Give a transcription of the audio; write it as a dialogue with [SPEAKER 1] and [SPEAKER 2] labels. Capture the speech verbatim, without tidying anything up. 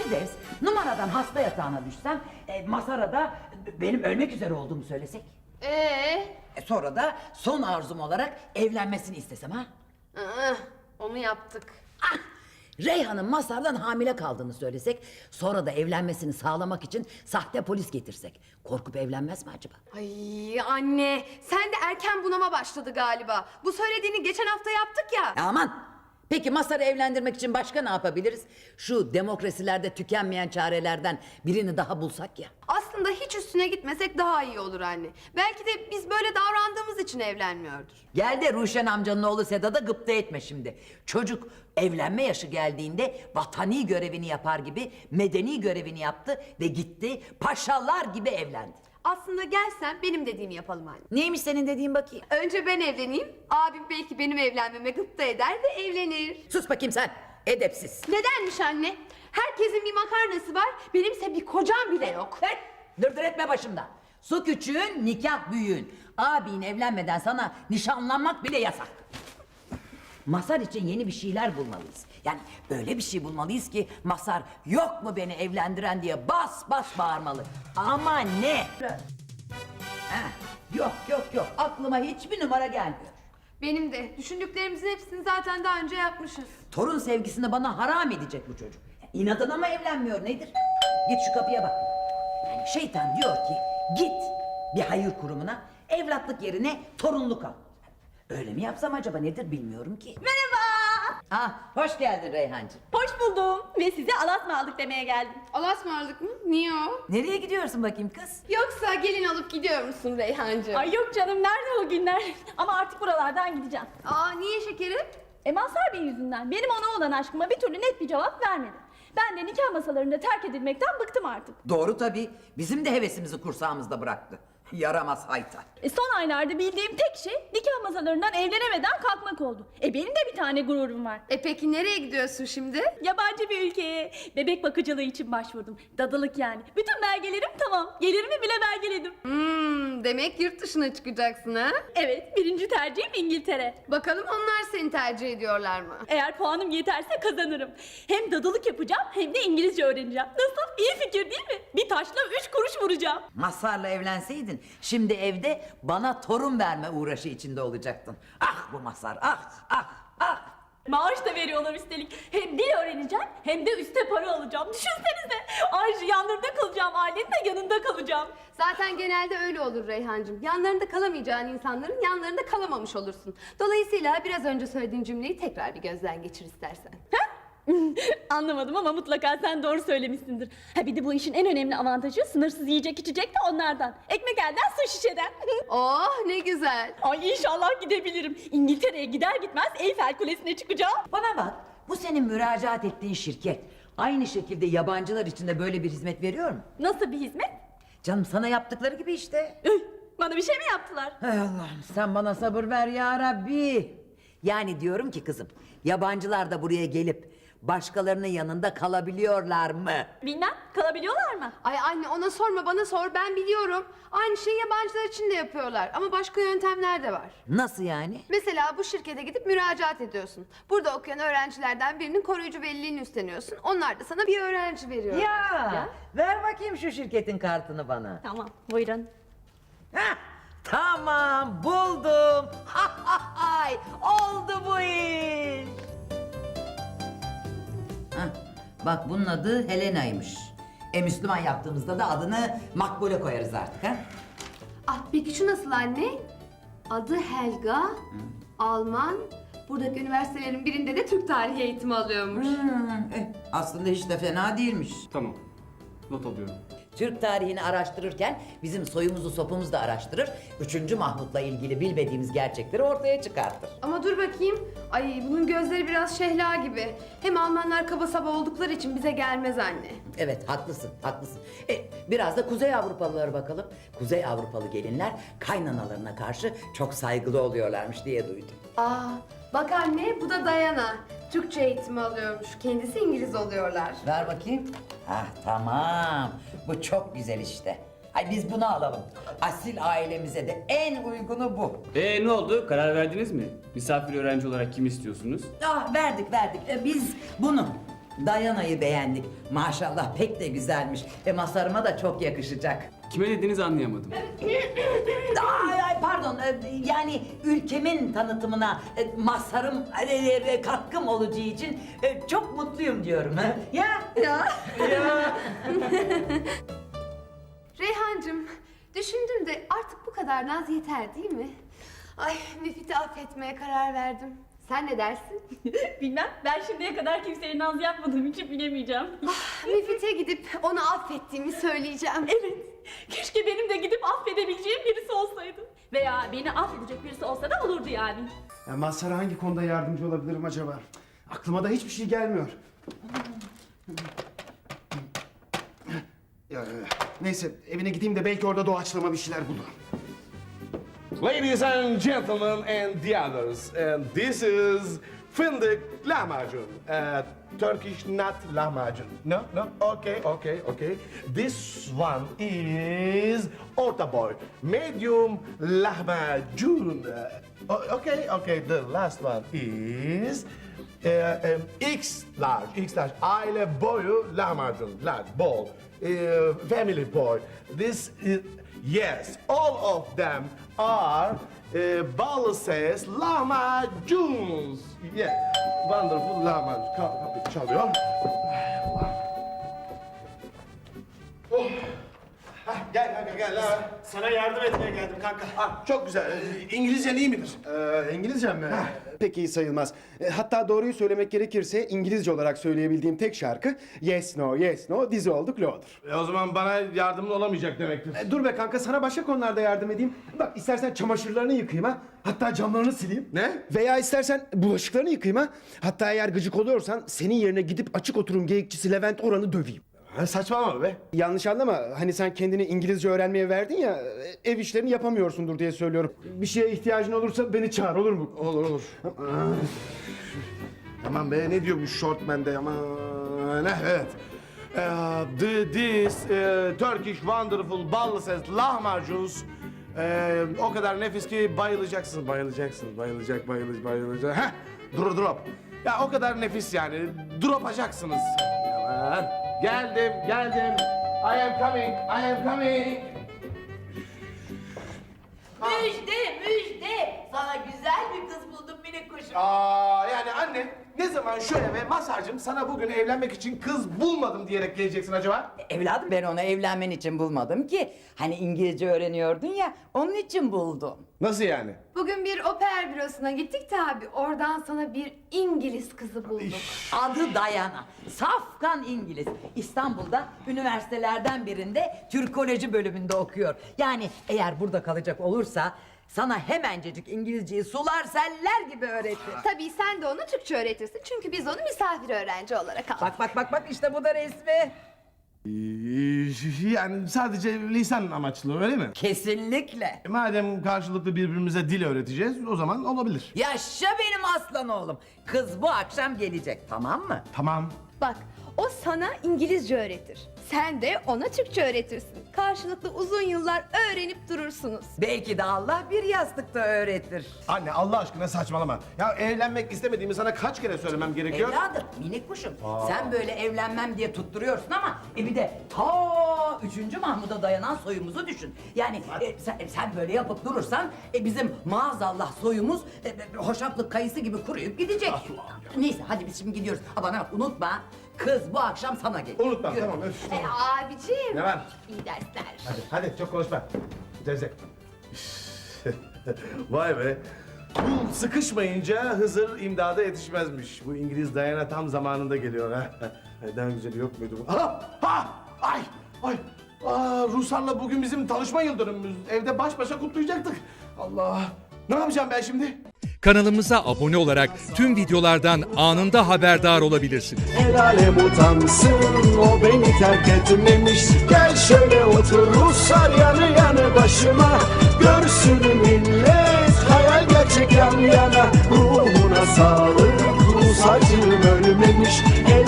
[SPEAKER 1] Firdevs, numaradan hasta yatağına düşsem, e, Mazhar'a da benim ölmek üzere olduğumu söylesek.
[SPEAKER 2] Ee?
[SPEAKER 1] E, sonra da son arzum olarak evlenmesini istesem ha?
[SPEAKER 2] Aa, onu yaptık.
[SPEAKER 1] Ah! Reyhan'ın Mazhar'dan hamile kaldığını söylesek, sonra da evlenmesini sağlamak için sahte polis getirsek. Korkup evlenmez mi acaba?
[SPEAKER 2] Ay anne, sen de erken bunama başladı galiba. Bu söylediğini geçen hafta yaptık ya.
[SPEAKER 1] Aman! Peki Mazhar'ı evlendirmek için başka ne yapabiliriz? Şu demokrasilerde tükenmeyen çarelerden birini daha bulsak ya.
[SPEAKER 2] Aslında hiç üstüne gitmesek daha iyi olur anne. Belki de biz böyle davrandığımız için evlenmiyordur.
[SPEAKER 1] Gel de Ruşen amcanın oğlu Sedat'a gıpta etme şimdi. Çocuk evlenme yaşı geldiğinde vatani görevini yapar gibi medeni görevini yaptı ve gitti paşalar gibi evlendi.
[SPEAKER 2] Aslında gelsen benim dediğimi yapalım anne.
[SPEAKER 1] Neymiş senin dediğin bakayım?
[SPEAKER 2] Önce ben evleneyim, abim belki benim evlenmeme gıpta eder ve evlenir.
[SPEAKER 1] Sus bakayım sen, edepsiz.
[SPEAKER 2] Nedenmiş anne? Herkesin bir makarnası var, benimse bir kocam bile yok.
[SPEAKER 1] Hey, dırdır etme başımda. Su küçüğün, nikah büyüğün. Abin evlenmeden sana nişanlanmak bile yasak. Mazhar için yeni bir şeyler bulmalıyız. Yani böyle bir şey bulmalıyız ki Mazhar yok mu beni evlendiren diye bas bas bağırmalı. Ama ne? Heh, yok yok yok, aklıma hiçbir numara gelmiyor.
[SPEAKER 2] Benim de. Düşündüklerimizin hepsini zaten daha önce yapmışız.
[SPEAKER 1] Torun sevgisini bana haram edecek bu çocuk. İnadına mı evlenmiyor nedir? Git şu kapıya bak. Yani şeytan diyor ki git bir hayır kurumuna, evlatlık yerine torunluk al. Öyle mi yapsam acaba, nedir bilmiyorum ki.
[SPEAKER 3] Merhaba.
[SPEAKER 1] Ah, hoş geldin Reyhancığım.
[SPEAKER 3] Hoş buldum ve size alas mı aldık demeye geldim.
[SPEAKER 2] Allah'a ısmarladık mı? Niye o?
[SPEAKER 1] Nereye gidiyorsun bakayım kız?
[SPEAKER 2] Yoksa gelin alıp gidiyor musun Reyhancığım?
[SPEAKER 3] Ay yok canım, nerede o günler? Ama artık buralardan gideceğim.
[SPEAKER 2] Aa niye şekerim?
[SPEAKER 3] E Mazhar Bey yüzünden benim ona olan aşkıma bir türlü net bir cevap vermedi. Ben de nikah masalarında terk edilmekten bıktım artık.
[SPEAKER 1] Doğru tabii. Bizim de hevesimizi kursağımızda bıraktı. Yaramaz hayta.
[SPEAKER 3] E son aylarda bildiğim tek şey nikah masalarından evlenemeden kalkmak oldu. E benim de bir tane gururum var.
[SPEAKER 2] E peki nereye gidiyorsun şimdi?
[SPEAKER 3] Yabancı bir ülkeye bebek bakıcılığı için başvurdum. Dadılık yani. Bütün belgelerim tamam. Gelirimi bile belgeledim.
[SPEAKER 2] Hmm, demek yurt dışına çıkacaksın ha?
[SPEAKER 3] Evet, birinci tercihim İngiltere.
[SPEAKER 2] Bakalım onlar seni tercih ediyorlar mı?
[SPEAKER 3] Eğer puanım yeterse kazanırım. Hem dadılık yapacağım hem de İngilizce öğreneceğim. Nasıl? İyi fikir değil mi? Bir taşla üç kuruş vuracağım.
[SPEAKER 1] Mazhar'la evlenseydin şimdi evde bana torun verme uğraşı içinde olacaktın. Ah bu Mazhar, ah ah ah.
[SPEAKER 3] Maaş da veriyorlar üstelik. Hem dil öğreneceğim hem de üste para alacağım. Düşünsenize. Ayrıca yanlarında kalacağım. Ailenin de yanında kalacağım.
[SPEAKER 2] Zaten genelde öyle olur Reyhancığım. Yanlarında kalamayacağın insanların yanlarında kalamamış olursun. Dolayısıyla biraz önce söylediğin cümleyi tekrar bir gözden geçir istersen.
[SPEAKER 3] Anlamadım ama mutlaka sen doğru söylemişsindir. Ha bir de bu işin en önemli avantajı sınırsız yiyecek içecek de onlardan. Ekmek elden su şişeden.
[SPEAKER 2] Oh ne güzel.
[SPEAKER 3] Ay inşallah gidebilirim. İngiltere'ye gider gitmez Eyfel Kulesi'ne çıkacağım.
[SPEAKER 1] Bana bak, bu senin müracaat ettiğin şirket aynı şekilde yabancılar için de böyle bir hizmet veriyor mu?
[SPEAKER 3] Nasıl bir hizmet?
[SPEAKER 1] Canım sana yaptıkları gibi işte.
[SPEAKER 3] Üh, bana bir şey mi yaptılar?
[SPEAKER 1] Hay Allah'ım, sen bana sabır ver ya Rabbi. Yani diyorum ki kızım, yabancılar da buraya gelip başkalarının yanında kalabiliyorlar mı?
[SPEAKER 3] Bilmem, kalabiliyorlar mı?
[SPEAKER 2] Ay anne ona sorma bana sor, ben biliyorum. Aynı şeyi yabancılar için de yapıyorlar ama başka yöntemler de var.
[SPEAKER 1] Nasıl yani?
[SPEAKER 2] Mesela bu şirkete gidip müracaat ediyorsun. Burada okuyan öğrencilerden birinin koruyucu veliliğini üstleniyorsun. Onlar da sana bir öğrenci veriyor.
[SPEAKER 1] Ya, ver bakayım şu şirketin kartını bana.
[SPEAKER 3] Tamam, buyurun.
[SPEAKER 1] Hah, tamam buldum. Ha, ha, hay, oldu bu iş. Hah, bak bunun adı Helena'ymış. E Müslüman yaptığımızda da adını Makbule koyarız artık ha.
[SPEAKER 2] Ah peki şu nasıl anne? Adı Helga, Alman. Buradaki üniversitelerin birinde de Türk tarihi eğitimi alıyormuş.
[SPEAKER 1] Hmm, eh, aslında hiç de fena değilmiş.
[SPEAKER 4] Tamam. Not alıyorum.
[SPEAKER 1] Türk tarihini araştırırken bizim soyumuzu sopumuzu da araştırır. Üçüncü Mahmut'la ilgili bilmediğimiz gerçekleri ortaya çıkartır.
[SPEAKER 2] Ama dur bakayım. Ay bunun gözleri biraz şehla gibi. Hem Almanlar kaba saba oldukları için bize gelmez anne.
[SPEAKER 1] Evet haklısın haklısın. E, biraz da Kuzey Avrupalılara bakalım. Kuzey Avrupalı gelinler kaynanalarına karşı çok saygılı oluyorlarmış diye duydum.
[SPEAKER 2] Aa bak anne bu da Dayana. Türkçe eğitimi alıyormuş. Kendisi İngiliz oluyorlar.
[SPEAKER 1] Ver bakayım. Hah tamam. Bu çok güzel işte. Ay biz bunu alalım. Asil ailemize de en uygunu bu.
[SPEAKER 4] Ee ne oldu? Karar verdiniz mi? Misafir öğrenci olarak kim istiyorsunuz?
[SPEAKER 1] Ah verdik verdik. E, biz bunu. Dayana'yı beğendik. Maşallah pek de güzelmiş. E Mazhar'ıma da çok yakışacak.
[SPEAKER 4] Kime dediğinizi anlayamadım.
[SPEAKER 1] Ay, ay pardon, e, yani ülkemin tanıtımına e, Mazhar'ım e, e, katkım olacağı için e, çok mutluyum diyorum. Ha? Ya.
[SPEAKER 2] Ya.
[SPEAKER 1] Ya.
[SPEAKER 2] Reyhancığım, düşündüm de artık bu kadar naz yeter değil mi? Ay, Müfit'i affetmeye karar verdim. Sen ne dersin?
[SPEAKER 3] Bilmem, ben şimdiye kadar kimseye naz yapmadığım için bilemeyeceğim.
[SPEAKER 2] Müfit'e gidip onu affettiğimi söyleyeceğim.
[SPEAKER 3] Evet, keşke benim de gidip affedebileceğim birisi olsaydı. Veya beni affedecek birisi olsa da olurdu yani.
[SPEAKER 5] Ya Mazhar'a hangi konuda yardımcı olabilirim acaba? Cık, aklıma da hiçbir şey gelmiyor. Ya, neyse evine gideyim de belki orada doğaçlama bir şeyler bulurum.
[SPEAKER 6] Ladies and gentlemen and the others, and this is fındık lahmacun. Uh, Turkish not lahmacun. No, no, okay, okay, okay. This one is orta boy, medium lahmacun. Uh, o- okay, okay, the last one is uh, um, X large, X large. Aile boyu lahmacun, large, ball. Uh, family boy. This is, yes, all of them are uh, Balıses lahmacuns. Yeah, wonderful lahmacun. Ka- Kapı çalıyor. Oh. Hah, gel kanka gel lan.
[SPEAKER 5] Sana yardım etmeye geldim kanka.
[SPEAKER 6] Ah, çok güzel. Ee, İngilizcen iyi midir?
[SPEAKER 5] Ee, İngilizcem mi? Pek iyi sayılmaz. E, hatta doğruyu söylemek gerekirse İngilizce olarak söyleyebildiğim tek şarkı Yes No Yes No dizi oldu Claude'dur.
[SPEAKER 6] E, o zaman bana yardımın olamayacak demektir.
[SPEAKER 5] E, dur be kanka sana başka konularda yardım edeyim. Bak istersen çamaşırlarını yıkayayım ha. Hatta camlarını sileyim.
[SPEAKER 6] Ne?
[SPEAKER 5] Veya istersen bulaşıklarını yıkayayım ha. Hatta eğer gıcık oluyorsan senin yerine gidip açık oturum geyikçisi Levent Oran'ı döveyim.
[SPEAKER 6] Ha, saçmalama be.
[SPEAKER 5] Yanlış anlama. Hani sen kendini İngilizce öğrenmeye verdin ya, ev işlerini yapamıyorsundur diye söylüyorum. Bir şeye ihtiyacın olursa beni çağır, olur mu?
[SPEAKER 6] Olur olur. Aman be ne diyor bu shortman'de aman ne evet. Uh, the, this uh, Turkish wonderful Balıses lahmacuns uh, o kadar nefis ki bayılacaksın, bayılacaksın, bayılacak, bayılacak, bayılacak. Heh, drop drop. Ya o kadar nefis yani, dropacaksınız. Aman. Geldim, geldim. I am coming, I am coming.
[SPEAKER 1] Müjde, müjde. Sana güzel bir kız buldum minik kuşum.
[SPEAKER 6] Aa yani anne ne zaman şu eve Mazhar'cığım sana bugün evlenmek için kız bulmadım diyerek geleceksin acaba?
[SPEAKER 1] Evladım ben onu evlenmen için bulmadım ki. Hani İngilizce öğreniyordun ya, onun için buldum.
[SPEAKER 6] Nasıl yani?
[SPEAKER 2] Bugün bir oper bürosuna gittik de abi, oradan sana bir İngiliz kızı bulduk.
[SPEAKER 1] Adı Dayana. Safkan İngiliz. İstanbul'da üniversitelerden birinde Türkoloji bölümünde okuyor. Yani eğer burada kalacak olursa sana hemencecik İngilizceyi sular seller gibi öğretir.
[SPEAKER 2] Tabii sen de ona Türkçe öğretirsin çünkü biz onu misafir öğrenci olarak aldık.
[SPEAKER 1] Bak bak bak bak işte bu da resmi.
[SPEAKER 6] Ee, Yani sadece lisan amaçlı öyle mi?
[SPEAKER 1] Kesinlikle.
[SPEAKER 6] E, Madem karşılıklı birbirimize dil öğreteceğiz o zaman olabilir.
[SPEAKER 1] Yaşa benim aslan oğlum. Kız bu akşam gelecek, tamam mı?
[SPEAKER 6] Tamam.
[SPEAKER 2] Bak, o sana İngilizce öğretir. Sen de ona Türkçe öğretirsin. Karşılıklı uzun yıllar öğrenip durursunuz.
[SPEAKER 1] Belki de Allah bir yastıkta öğretir.
[SPEAKER 6] Anne Allah aşkına saçmalama. Ya evlenmek istemediğimi sana kaç kere söylemem gerekiyor?
[SPEAKER 1] Evladım, minik kuşum. Sen böyle evlenmem diye tutturuyorsun ama e bir de ta üçüncü Mahmud'a dayanan soyumuzu düşün. Yani e, sen, sen böyle yapıp durursan e, bizim maazallah soyumuz e, e, hoşaflık kayısı gibi kuruyup gidecek. Neyse hadi biz şimdi gidiyoruz. Ha bana bak unutma. Kız bu akşam sana gelir.
[SPEAKER 6] Unutma
[SPEAKER 1] Yürü.
[SPEAKER 6] tamam. Öf.
[SPEAKER 2] E abiciğim.
[SPEAKER 6] Ne var?
[SPEAKER 2] İyi dersler.
[SPEAKER 6] Hadi, hadi çok konuşma. Zevzek. Vay be. Kul sıkışmayınca Hızır imdada yetişmezmiş. Bu İngiliz Diana tam zamanında geliyor ha. Neden güzeli yok muydu bu? Ha! Ha! Ay! Ay! Aa, Ruslarla bugün bizim tanışma yıl dönümümüz. Evde baş başa kutlayacaktık. Allah! Ne yapacağım ben şimdi?
[SPEAKER 7] Kanalımıza abone olarak tüm videolardan anında haberdar olabilirsiniz.
[SPEAKER 8] El alem utansın, o beni terk etmemiş. Gel şöyle otur Ruslar yanı yanı başıma. Görsün millet.